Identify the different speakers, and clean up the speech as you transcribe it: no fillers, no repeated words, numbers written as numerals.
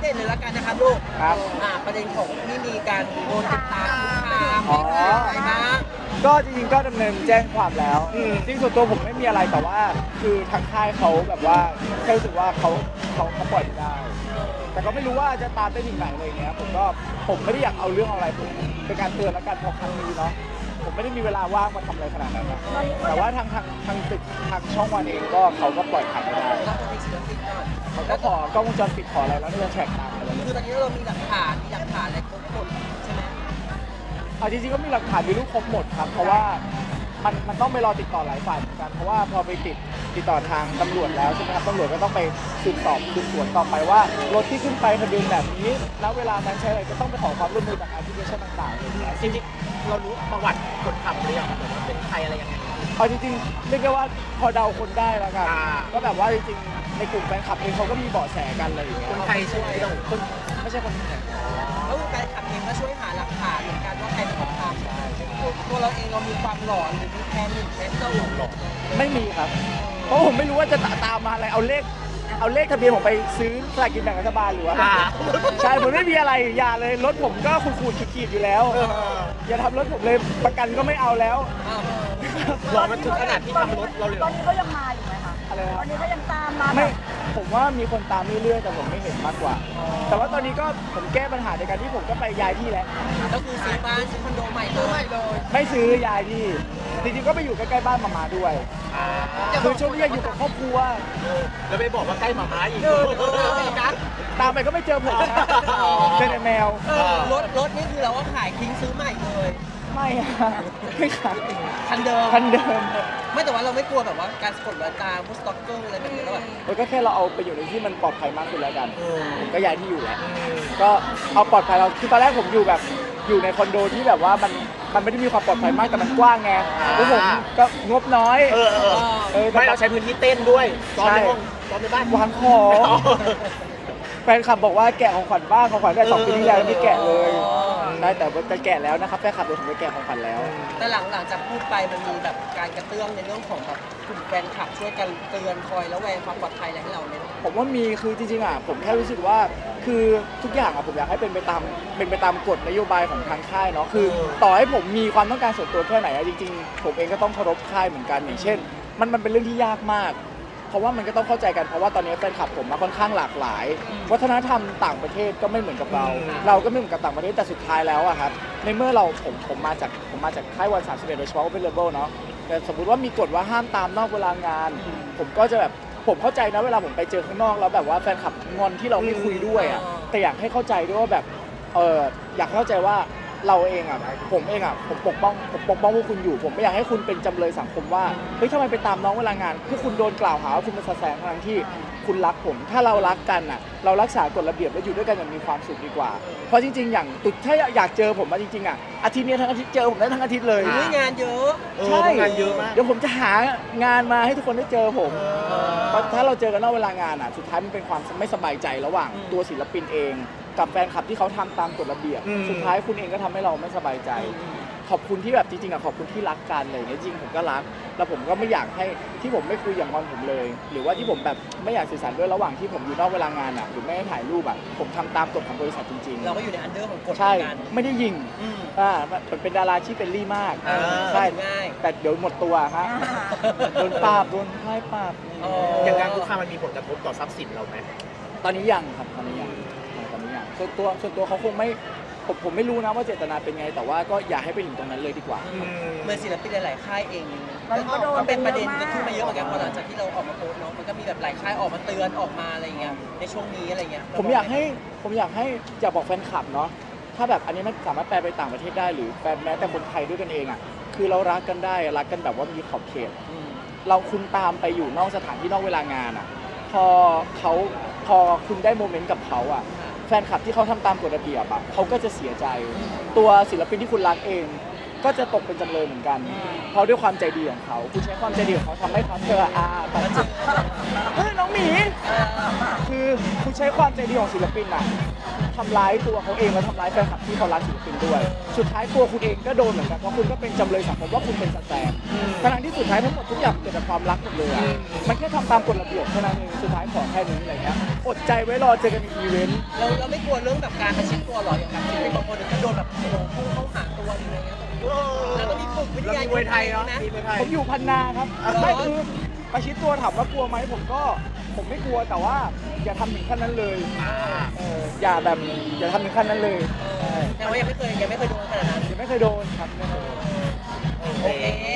Speaker 1: ด็นเลยละกันนะครับลูก
Speaker 2: ครับ
Speaker 1: ประเด็นของที่มีการโดนติดตาม
Speaker 2: อ๋อ
Speaker 1: อะไรบ้าง
Speaker 2: ก็จริงๆก็ดำเนินแจ้งความแล้วจริงส่วนตัวผมไม่มีอะไรแต่ว่าคือทางค่ายเขาแบบว่าแค่รู้สึกว่าเขาปล่อยไม่ได้ แต่ก็ไม่รู้ว่าจะตามได้ถึงไหนอะไรเงี้ยผมไม่ได้อยากเอาเรื่องอะไรผมเป็นการเตือนแล้วกันพอครั้งนี้เนาะผมไม่ได้มีเวลาว่างมาทำอะไรขนาดนั้นนะแต่ว่าทางตึกทางช่องวันเองก็เขาก็ปล่อยผ่านไม่ได้
Speaker 1: แล้วคนที่ศิลปินก่อน
Speaker 2: เขาก็ขอกล้องวงจรปิดขออะไรแล้วที่จะแท็กตามอะไร
Speaker 1: คือตอนนี้เรามีหลักฐานอะไรครบหมดใช่ไหม
Speaker 2: เอาจริงๆก็มีหลักฐานมีรูปครบหมดครับเพราะว่ามันต้องไปรอติดต่อหลายฝ่ายเหมือนกันเพราะว่าพอไปติดต่อทางตำรวจแล้วใช่ไหมครับตำรวจก็ต้องไปสืบสวนต่อไปว่ารถที่ขึ้นไปทะเบียนแบบนี้แล้วเวลานั้นใช้อะไรก็ต้องไปขอความร่วมมือจากแอปพลิเคชันต่างๆเลยนะ
Speaker 3: จริงๆเรารู้ประวัติคนขับหรือยังแบบว่าเป็นใครอะไรยังไง
Speaker 2: เอาจริงๆเรียกได้ว่าพอเดาคนได้แล้วกัน
Speaker 3: อ่า
Speaker 2: ก็แบบว่าจริงๆในกลุ่มแฟนคลับเองเขาก็มีเบาะแสกันอะไรอย่างเงี้ย
Speaker 3: คนไทยใช่ไหมเรา
Speaker 2: คนไม่ใช่คนไทย
Speaker 1: แล้วแฟนคลับเองก็ช่วยหาหลักฐานเหมือนกันว่าใครเป็นคนทำตัวเราเองเรามีความหลอนหรือมีแพนิคแพนเซอร์หลอน
Speaker 2: ไม่มีครับเพราะผมไม่รู้ว่าจะตามมาอะไรเอาเลขทะเบียนผมไปซื้อสลากกินแบ่งรัฐบาลหรือว่าใช่ผมไม่มีอะไรอย่าเลยรถผมก็ขูดขีดอยู่แล้วอย่าทำรถผมเลยประกันก็ไม่เอาแล้ว
Speaker 3: หลอนมันถึงขนาดที่ทำรถเราเลย
Speaker 4: ตอนนี้เขายังมาอยู่ไหมคะ
Speaker 2: อะไรนะ
Speaker 4: ตอนนี้เขายังตามมา
Speaker 2: ไม่ผมว่ามีคนตามเรื่อยๆแต่ผมไม่เห็นมากกว่า แต่ว่าตอนนี้ก็ผมแก้ปัญหาในการที่ผมก็ไปย้ายที่แล้ว
Speaker 1: ก็คือซื้อบ้านซื้อคอนโดใหม่เลย
Speaker 2: ไม่ซื้อย้ายที่จริงๆก็ไปอยู่ใกล้ๆบ้านมาด้วยคือช่วงนี้อยากอยู่กับครอบครัว
Speaker 3: แล้วไปบอกว่าใกล้หมาม้าอีก
Speaker 2: ตามไปก็ไม่เจอผมนะเจอแต่แมว
Speaker 1: รถนี่คือเราก็ขายทิ้งซื้อใหม่เลย
Speaker 2: ไม่อะไม่ขาย
Speaker 1: คันเดิม
Speaker 2: คันเดิม
Speaker 1: ไม่แต่ว่าเราไม่กลัวแบบว่าการสะกดรอยตามพวกสต็อกเกอร์อะไรแบบนี้แล้วแบบ
Speaker 2: มันก็แค่เราเอาไปอยู่ในที่มันปลอดภัยมากขึ้นแล้วกันผมก็ย้ายที่อยู่แหละก็เอาปลอดภัยเราคือตอนแรกผมอยู่แบบอยู่ในคอนโดที่แบบว่ามันไม่ได้มีความปลอดภัยมากแต่มันกว้างไงแล้วผมก็งบน้อย
Speaker 3: ไม่เราใช้พื้นที่เต้นด้วยซ้อมในห้องซ้อมในบ้าน
Speaker 2: วางของแฟนคลับบอกว่าแกะของขวัญบ้างของขวัญได้2 ปีที่แล้วไม่แกะเลยได้แต่จะแกะแล้วนะครับแฟนคลับเดี๋ยวผมจะแกะของขวัญแล้ว
Speaker 1: แต่หลังจากพูดไปมันมีแบบการกระเตื้องในเรื่องของแบบกลุ่มแฟนคลับช่วยกันเตือนคอยแล้วแวงความปลอดภัยอะไรให้เราเนี่ย
Speaker 2: ผมว่ามีคือจริงๆอ่ะผมแค่รู้สึกว่าคือทุกอย่างอ่ะผมอยากให้เป็นไปตามกฎนโยบายของทางค่ายเนาะคือต่อให้ผมมีความต้องการส่วนตัวแค่ไหนอ่ะจริงๆผมเองก็ต้องเคารพค่ายเหมือนกันอย่างเช่น มันเป็นเรื่องที่ยากมาก เพราะว่ามันก็ต้องเข้าใจกันเพราะว่าตอนนี้แฟนคลับผมมาค่อนข้างหลากหลาย วัฒนธรรมต่างประเทศก็ไม่เหมือนกับเรา เราก็ไม่เหมือนกับต่างประเทศแต่สุดท้ายแล้วอะครับในเมื่อผมมาจากค่ายวัน31โดยเฉพาะเป็นเลเวลเนาะแต่สมมุติว่ามีกฎว่าห้ามตามนอกเวลางาน ผมก็จะแบบผมเข้าใจนะเวลาผมไปเจอข้างนอกแล้วแบบว่าแฟนคลับงอนที่เราไม่คุยด้วยอะแต่อยากให้เข้าใจด้วยว่าแบบอยากให้เข้าใจว่าเราเองอ่ะผมเองอ่ะผมปกป้องพวกคุณอยู่ผมไม่อยากให้คุณเป็นจำเลยสังคมว่าเฮ้ยทำไมไปตามน้องเวลางานคือคุณโดนกล่าวหาว่าคุณเป็นแสงทั้งที่คุณรักผมถ้าเรารักกันอ่ะเรารักษากฎระเบียบและอยู่ด้วยกันอย่างมีความสุขดีกว่าเพราะจริงๆอย่างตุดถ้าอยากเจอผมมาจริงๆอ่ะอาทิตย์นี้ทั้งอาทิตย์เจอผมได้ทั้งอาทิตย์เลย
Speaker 1: งานเยอะ
Speaker 2: ใช่
Speaker 3: งานเยอะมาก
Speaker 2: เดี๋ยวผมจะหางานมาให้ทุกคนได้เจอผมเพราะถ้าเราเจอกันนอกเวลางานอ่ะสุดท้ายมันเป็นความไม่สบายใจระหว่างตัวศิลปินเองกับแฟนคลับที่เขาทำตามกฎระเบียบสุดท้ายคุณเองก็ทำให้เราไม่สบายใจ ขอบคุณที่แบบจริงๆอะขอบคุณที่รักกันอะไรอย่างเงี้ยจริงผมก็รักแล้วผมก็ไม่อยากให้ที่ผมไม่คุยอย่างงอนผมเลย หรือว่าที่ผมแบบไม่อยากสื่อสารด้วยระหว่างที่ผมอยู่นอกเวลางานอะหรือไม่ให้ถ่ายรูปอะผมทำตามกฎของบริษัทจริง
Speaker 1: เราก็อยู่ในอันเดอร์ของกฎ
Speaker 2: ๆใช่
Speaker 1: กัน
Speaker 2: ไม่ได้ยิงเป็นดาราที่เป็นรี่มาก
Speaker 1: ใช่
Speaker 2: ใช่
Speaker 1: ง่าย
Speaker 2: แต่เดี๋ยวหมดตัวฮะโดนปราบโดนไล่ปราบ
Speaker 3: อย่างงานคุกคามมันมีผลกระทบต่อทรัพย์สินเราไหม
Speaker 2: ตอนนี้ยังครับตอนนี้ยังส่วนตัวเขาคงไม่ผมไม่รู้นะว่าเจตนาเป็นไง แต่ว่าก็อย่าให้ไปถึงตรงนั้นเลยดีกว่า
Speaker 1: เหมือนศิลปินหลายๆค่ายเอง
Speaker 4: ก็โดน
Speaker 1: ก็เป็นประเด็น
Speaker 4: เยอะมาก
Speaker 1: ก็ขึ้นมาเยอะเหมือนกันพอหลังจากที่เราออกมาโพสต์เนาะมันก็มีแบบหลายค่ายออกมาเตือนออกมาอะไรเงี้ยในช่วงนี้อะไรเงี้ย
Speaker 2: ผมอยากให้อยากบอกแฟนคลับเนาะถ้าแบบอันนี้มันสามารถแปลไปต่างประเทศได้หรือแปลแม้แต่คนไทยด้วยกันเองอ่ะคือเรารักกันได้รักกันแบบว่ามีขอบเขต เราคุณตามไปอยู่นอกสถานที่นอกเวลางานอ่ะพอคุณได้โมเมนต์กับเขาอ่ะแฟนคลับที่เขาทำตามกฎระเบียบอ่ะเขาก็จะเสียใจ ตัวศิลปินที่คุณรักเอง ก็จะตกเป็นจำเลยเหมือนกัน เพราะด้วยความใจดีของเขาคุณใช้ความใจดีของเขาทำให้เขาแบบน้องหมีคือคุณใช้ความใจดีของศิลปินอะทำร้ายตัวเขาเองและทำร้ายแฟนคลับที่เขารักศิลปินด้วย สุดท้ายตัวคุณเองก็โดนเหมือนกันเพราะคุณก็เป็นจำเลยสังคมว่าคุณเป็นสแตนทั้งที่สุดท้ายทั้งหมดทุกอย่างเกิดจากความรักหมดเลยอะมันแค่ทำตามกฎระเบียบแค่นั้นเองสุดท้ายขอแค่นี้อะไรเงี้ยอดใจไว้รอเจอกันในอีเวนต์
Speaker 1: เราไม่กลัวเรื่องแบบการประชิดตัวหรออย่างแบบที่บางคนก็โดนแบบโอ้โหพุ่งเข้าหาตัวอะไรเงี้ยแล้วก็มีฝึกวิท
Speaker 3: เรา
Speaker 1: ยา
Speaker 3: มีมวยไทยเนาะ
Speaker 1: นะ
Speaker 3: มีมวยไทย
Speaker 2: ผมอยู่พันนาครับไม่คือประชิดตัวถามว่ากลัวไหมผมไม่กลัวแต่ว่าอย่าทำถึงขั้นนั้นเลยอย่าทำถึงขั้นนั้นเลย
Speaker 1: แต่ว่ายังไม่เคยโดนขนาดนั้น
Speaker 2: ยังไม่เคยโดนครับไม่เคยโดน
Speaker 1: โอเค